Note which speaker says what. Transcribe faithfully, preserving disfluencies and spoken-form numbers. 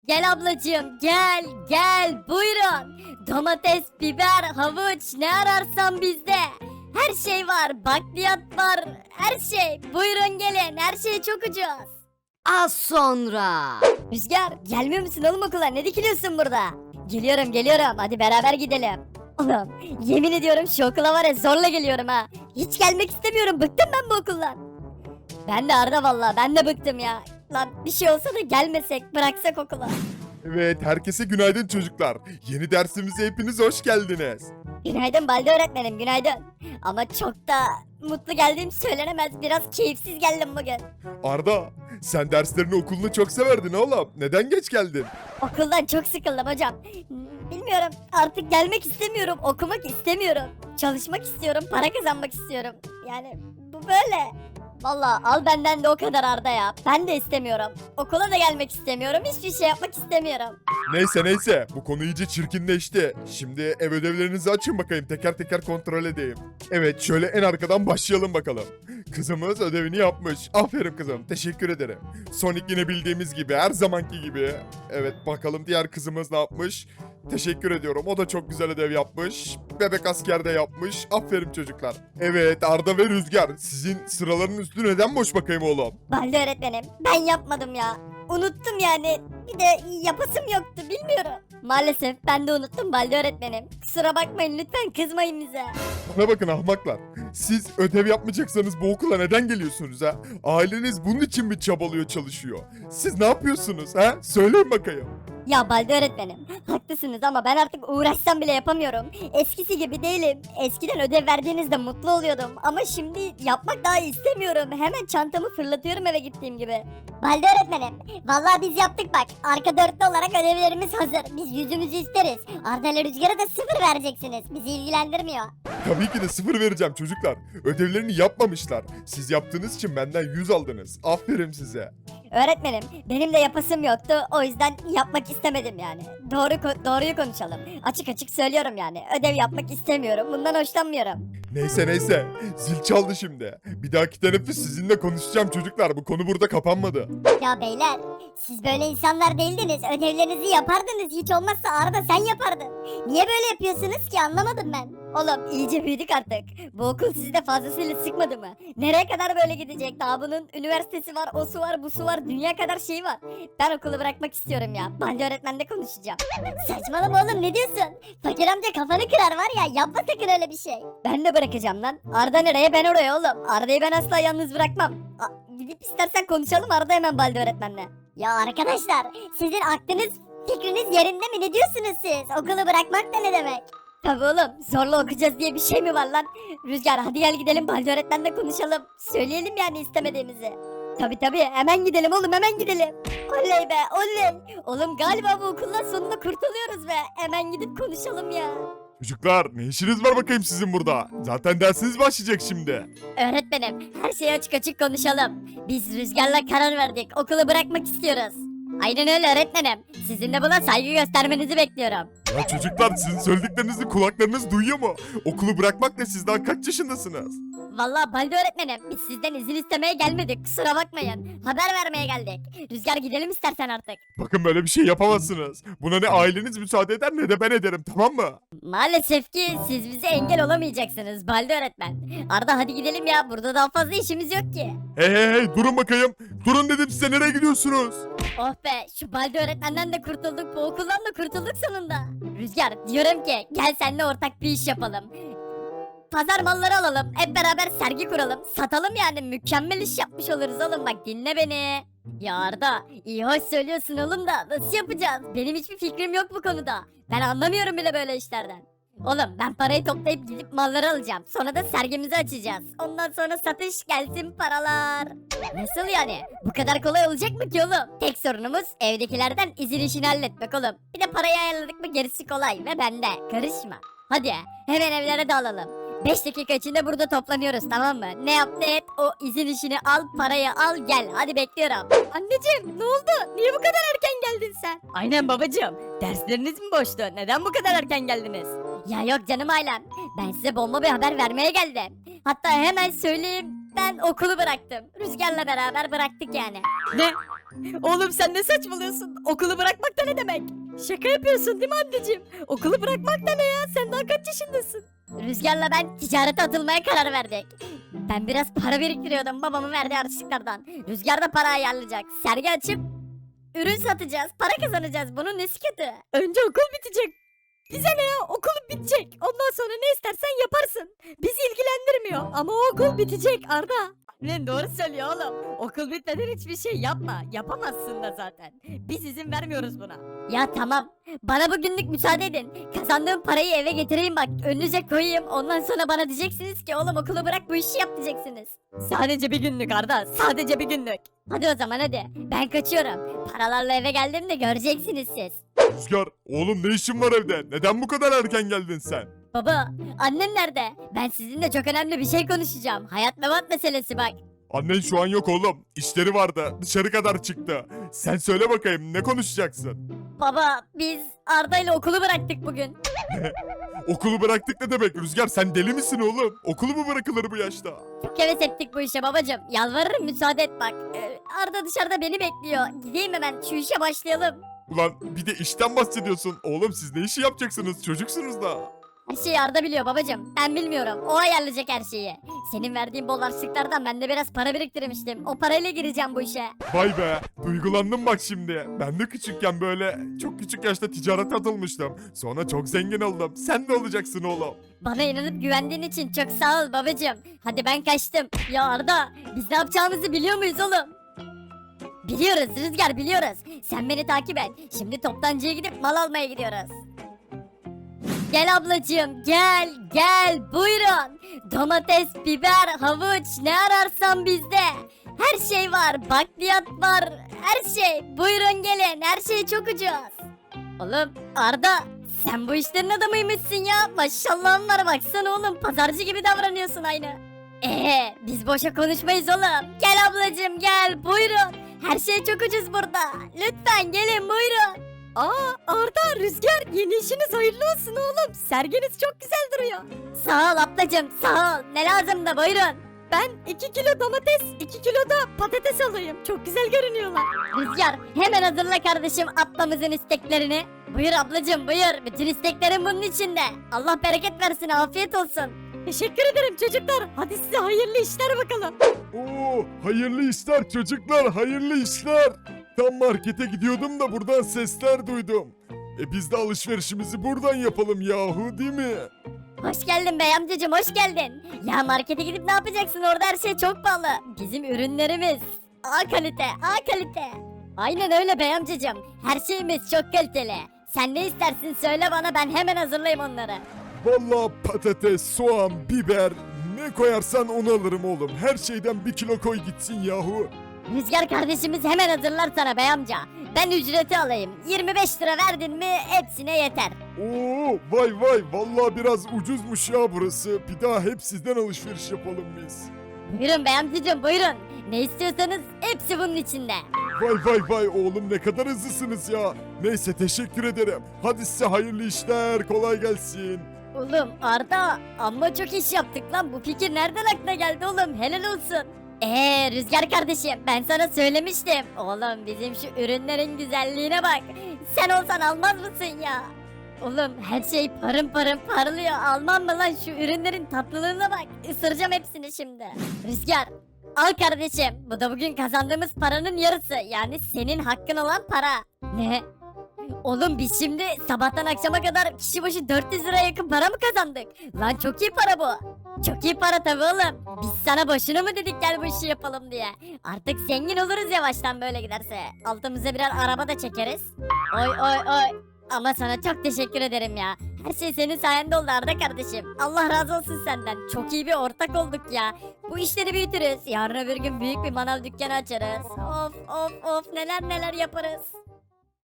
Speaker 1: Gel ablacığım gel gel buyurun. Domates, biber, havuç ne ararsan bizde. Her şey var, bakliyat var, her şey. Buyurun gelin, her şey çok ucuz.
Speaker 2: Az sonra.
Speaker 1: Rüzgar gelmiyor musun oğlum okula, ne dikiliyorsun burada? Geliyorum geliyorum, hadi beraber gidelim. Oğlum yemin ediyorum şu okula var ya zorla geliyorum ha. Hiç gelmek istemiyorum, bıktım ben bu okuldan. Ben de Arda vallahi, ben de bıktım ya. Lan bir şey olsa da gelmesek, bıraksak okula.
Speaker 3: Evet, herkese günaydın çocuklar. Yeni dersimize hepiniz hoş geldiniz.
Speaker 1: Günaydın Balde öğretmenim, günaydın. Ama çok da mutlu geldiğim söylenemez, biraz keyifsiz geldim bugün.
Speaker 3: Arda, sen derslerini okulunu çok severdin oğlum. Neden geç geldin?
Speaker 1: Okuldan çok sıkıldım hocam. Bilmiyorum, artık gelmek istemiyorum, okumak istemiyorum. Çalışmak istiyorum, para kazanmak istiyorum. Yani bu böyle. Vallahi al benden de o kadar Arda ya. Ben de istemiyorum. Okula da gelmek istemiyorum, hiçbir şey yapmak istemiyorum.
Speaker 3: Neyse neyse, bu konu iyice çirkinleşti. Şimdi ev ödevlerinizi açın bakayım, teker teker kontrol edeyim. Evet, şöyle en arkadan başlayalım bakalım. Kızımız ödevini yapmış. Aferin kızım, teşekkür ederim. Sonic yine bildiğimiz gibi, her zamanki gibi. Evet, bakalım diğer kızımız ne yapmış? Teşekkür ediyorum. O da çok güzel ödev yapmış. Bebek asker de yapmış. Aferin çocuklar. Evet, Arda ve Rüzgar, sizin sıraların üstü neden boş bakayım oğlum?
Speaker 1: Balde öğretmenim, ben yapmadım ya. Unuttum yani. Bir de yapasım yoktu, bilmiyorum. Maalesef ben de unuttum Balde öğretmenim. Kusura bakmayın, lütfen kızmayın bize.
Speaker 3: Bana bakın ahmaklar. Siz ödev yapmayacaksanız bu okula neden geliyorsunuz ha? Aileniz bunun için mi çabalıyor, çalışıyor? Siz ne yapıyorsunuz ha? Söyleyin bakayım.
Speaker 1: Ya Balde öğretmenim, haklısınız ama ben artık uğraşsam bile yapamıyorum. Eskisi gibi değilim. Eskiden ödev verdiğinizde mutlu oluyordum ama şimdi yapmak daha istemiyorum. Hemen çantamı fırlatıyorum eve gittiğim gibi. Balde öğretmenim, vallahi biz yaptık bak. Arka dörtlü olarak ödevlerimiz hazır. Biz yüzümüzü isteriz. Arda ile Rüzgar'a da sıfır vereceksiniz. Bizi ilgilendirmiyor.
Speaker 3: Tabii ki de sıfır vereceğim çocuklar. Ödevlerini yapmamışlar. Siz yaptığınız için benden yüz aldınız. Aferin size.
Speaker 1: Öğretmenim, benim de yapasım yoktu. O yüzden yapmak istemedim yani. Doğru ko- doğruyu konuşalım. Açık açık söylüyorum yani. Ödev yapmak istemiyorum. Bundan hoşlanmıyorum.
Speaker 3: Neyse neyse. Zil çaldı şimdi. Bir dahaki teneffüs sizinle konuşacağım çocuklar. Bu konu burada kapanmadı.
Speaker 1: Ya beyler, siz böyle insanlar değildiniz. Ödevlerinizi yapardınız. Hiç olmazsa Arda sen yapardın. Niye böyle yapıyorsunuz ki, anlamadım ben. Oğlum iyice büyüdük artık. Bu okul sizi de fazlasıyla sıkmadı mı? Nereye kadar böyle gidecek? Daha bunun üniversitesi var, o su var, bu su var. Dünya kadar şey var. Ben okulu bırakmak istiyorum ya. Balde öğretmenle konuşacağım. Saçmalama oğlum, ne diyorsun? Fakir amca kafanı kırar var ya. Yapma sakın öyle bir şey. Ben de bırakacağım lan. Arda nereye, ben oraya oğlum. Arda'yı ben asla yalnız bırakmam. A- gidip istersen konuşalım Arda hemen Balde öğretmenle. Ya arkadaşlar, sizin aklınız fikriniz yerinde mi? Ne diyorsunuz siz? Okulu bırakmak da ne demek? Tabii oğlum, zorla okuyacağız diye bir şey mi var lan? Rüzgar hadi gel gidelim Balde öğretmenle konuşalım. Söyleyelim yani istemediğimizi. Tabii tabii, hemen gidelim oğlum, hemen gidelim. Oley be oley. Oğlum galiba bu okuldan sonunda kurtuluyoruz be. Hemen gidip konuşalım ya.
Speaker 3: Çocuklar ne işiniz var bakayım sizin burada? Zaten dersiniz başlayacak şimdi.
Speaker 1: Öğretmenim, her şeyi açık açık konuşalım. Biz Rüzgar'la karar verdik. Okulu bırakmak istiyoruz. Aynen öyle öğretmenim. Sizin de buna saygı göstermenizi bekliyorum.
Speaker 3: Ya çocuklar sizin söylediklerinizi kulaklarınız duyuyor mu? Okulu bırakmak ne, siz daha kaç yaşındasınız?
Speaker 1: Vallahi Balde öğretmenim, biz sizden izin istemeye gelmedik. Kusura bakmayın. Haber vermeye geldik. Rüzgar gidelim istersen artık.
Speaker 3: Bakın böyle bir şey yapamazsınız. Buna ne aileniz müsaade eder ne de ben ederim, tamam mı?
Speaker 1: Maalesef ki siz bize engel olamayacaksınız Balde öğretmen. Arda hadi gidelim ya. Burada daha fazla işimiz yok ki.
Speaker 3: Hey hey hey durun bakayım. Durun dedim size, nereye gidiyorsunuz?
Speaker 1: Oh be, şu Balde öğretmenden de kurtulduk. Bu okuldan da kurtulduk sonunda. Rüzgar diyorum ki gel seninle ortak bir iş yapalım. Pazar malları alalım. Hep beraber sergi kuralım. Satalım yani. Mükemmel iş yapmış oluruz oğlum. Bak dinle beni. Ya Arda iyi hoş söylüyorsun oğlum da nasıl yapacağız? Benim hiçbir fikrim yok bu konuda. Ben anlamıyorum bile böyle işlerden. Oğlum ben parayı toplayıp gidip malları alacağım. Sonra da sergimizi açacağız. Ondan sonra satış gelsin paralar. Nasıl yani? Bu kadar kolay olacak mı ki oğlum? Tek sorunumuz evdekilerden izin işini halletmek oğlum. Bir de parayı ayarladık mı gerisi kolay ve bende. Karışma. Hadi hemen evlere dağılalım. beş dakika içinde burada toplanıyoruz, tamam mı? Ne yap ne et, o izin işini al, parayı al gel. Hadi bekliyorum. Anneciğim ne oldu? Niye bu kadar erken geldin sen?
Speaker 2: Aynen babacığım. Dersleriniz mi boştu? Neden bu kadar erken geldiniz?
Speaker 1: Ya yok canım ailem. Ben size bomba bir haber vermeye geldim. Hatta hemen söyleyeyim. Ben okulu bıraktım. Rüzgar'la beraber bıraktık yani.
Speaker 2: Ne? Oğlum sen ne saçmalıyorsun? Okulu bırakmak da ne demek? Şaka yapıyorsun değil mi anneciğim? Okulu bırakmak da ne ya? Sen daha kaç yaşındasın?
Speaker 1: Rüzgar'la ben ticarete atılmaya karar verdik. Ben biraz para biriktiriyordum babamın verdiği harçlıklardan. Rüzgar da para ayarlayacak. Sergi açıp ürün satacağız. Para kazanacağız. Bunun nesi kötü?
Speaker 2: Önce okul bitecek. Bize ne ya? Okulun bitecek. Ondan sonra ne istersen yaparsın. Bizi ilgilendirmiyor. Ama o okul bitecek Arda. Lan doğru söylüyor oğlum. Okul bitmeden hiçbir şey yapma. Yapamazsın da zaten. Biz izin vermiyoruz buna.
Speaker 1: Ya tamam. Bana bugünlük müsaade edin. Kazandığım parayı eve getireyim bak. Önünüze koyayım. Ondan sonra bana diyeceksiniz ki oğlum okulu bırak bu işi yap diyeceksiniz.
Speaker 2: Sadece bir günlük Arda. Sadece bir günlük.
Speaker 1: Hadi o zaman hadi. Ben kaçıyorum. Paralarla eve geldiğimde göreceksiniz siz.
Speaker 3: Rüzgar, oğlum ne işin var evde? Neden bu kadar erken geldin sen?
Speaker 1: Baba, annem nerede? Ben sizinle çok önemli bir şey konuşacağım. Hayat memat meselesi bak.
Speaker 3: Annen şu an yok oğlum. İşleri vardı. Dışarı kadar çıktı. Sen söyle bakayım ne konuşacaksın?
Speaker 1: Baba, biz Arda ile okulu bıraktık bugün.
Speaker 3: Okulu bıraktık ne demek Rüzgar? Sen deli misin oğlum? Okulu mu bırakılır bu yaşta?
Speaker 1: Çok heves ettik bu işe babacım. Yalvarırım müsaade et bak. Ee, Arda dışarıda beni bekliyor. Gideyim hemen şu işe başlayalım.
Speaker 3: Ulan bir de işten bahsediyorsun. Oğlum siz ne işi yapacaksınız? Çocuksunuz da.
Speaker 1: Her şeyi Arda biliyor babacım. Ben bilmiyorum. O ayarlayacak her şeyi. Senin verdiğin bol harçlıklardan ben de biraz para biriktirmiştim. O parayla gireceğim bu işe.
Speaker 3: Vay be, duygulandım bak şimdi. Ben de küçükken böyle çok küçük yaşta ticarete atılmıştım. Sonra çok zengin oldum. Sen de olacaksın oğlum.
Speaker 1: Bana inanıp güvendiğin için çok sağ ol babacım. Hadi ben kaçtım. Ya Arda, biz ne yapacağımızı biliyor muyuz oğlum? Biliyoruz Rüzgar biliyoruz. Sen beni takip et. Şimdi toptancıya gidip mal almaya gidiyoruz. Gel ablacığım gel gel buyurun. Domates, biber, havuç ne ararsan bizde. Her şey var, bakliyat var, her şey. Buyurun gelin, her şey çok ucuz. Oğlum Arda, sen bu işlerin adamıymışsın ya. Maşallahın var baksana oğlum, pazarcı gibi davranıyorsun aynı. Ee, biz boşa konuşmayız oğlum. Gel ablacığım gel buyurun. Her şey çok ucuz burada. Lütfen gelin buyurun.
Speaker 2: Aa Arda, Rüzgar yeni işiniz hayırlı olsun oğlum. Serginiz çok güzel duruyor.
Speaker 1: Sağ ol ablacığım sağ ol. Ne lazım da buyurun.
Speaker 2: Ben iki kilo domates, iki kilo da patates alayım. Çok güzel görünüyorlar.
Speaker 1: Rüzgar hemen hazırla kardeşim ablamızın isteklerini. Buyur ablacığım buyur. Bütün isteklerin bunun içinde. Allah bereket versin afiyet olsun.
Speaker 2: Teşekkür ederim çocuklar. Hadi size hayırlı işler bakalım.
Speaker 3: Oo, hayırlı işler çocuklar, hayırlı işler. Tam markete gidiyordum da buradan sesler duydum. E biz de alışverişimizi buradan yapalım yahu değil mi?
Speaker 1: Hoş geldin bey amcacığım hoş geldin. Ya markete gidip ne yapacaksın orada her şey çok pahalı. Bizim ürünlerimiz A kalite A kalite. Aynen öyle bey amcacığım. Her şeyimiz çok kaliteli. Sen ne istersin söyle bana ben hemen hazırlayayım onları.
Speaker 3: Vallahi patates, soğan, biber ne koyarsan onu alırım oğlum. Her şeyden bir kilo koy gitsin yahu.
Speaker 1: Rüzgar kardeşimiz hemen hazırlar sana bey amca. Ben ücreti alayım. yirmi beş lira verdin mi hepsine yeter.
Speaker 3: Oo, vay vay vallahi biraz ucuzmuş ya burası. Bir daha hep sizden alışveriş yapalım biz.
Speaker 1: Buyurun bey amcacığım buyurun. Ne istiyorsanız hepsi bunun içinde.
Speaker 3: Vay vay vay oğlum ne kadar hızlısınız ya. Neyse teşekkür ederim. Hadi size hayırlı işler, kolay gelsin.
Speaker 1: Oğlum Arda amma çok iş yaptık lan. Bu fikir nereden aklına geldi oğlum helal olsun. Eee Rüzgar kardeşim ben sana söylemiştim. Oğlum bizim şu ürünlerin güzelliğine bak. Sen olsan almaz mısın ya? Oğlum her şey parın parın parlıyor. Almam mı lan şu ürünlerin tatlılığına bak. Isıracağım hepsini şimdi. Rüzgar al kardeşim. Bu da bugün kazandığımız paranın yarısı. Yani senin hakkın olan para. Ne? Oğlum biz şimdi sabahtan akşama kadar kişi başı dört yüz liraya yakın para mı kazandık? Lan çok iyi para bu. Çok iyi para tabii oğlum. Biz sana boşuna mı dedik gel bu işi yapalım diye. Artık zengin oluruz yavaştan böyle giderse. Altımıza birer araba da çekeriz. Oy oy oy. Ama sana çok teşekkür ederim ya. Her şey senin sayende oldu Arda kardeşim. Allah razı olsun senden. Çok iyi bir ortak olduk ya. Bu işleri büyütürüz. Yarın öbür gün büyük bir manav dükkanı açarız. Of of of neler neler yaparız.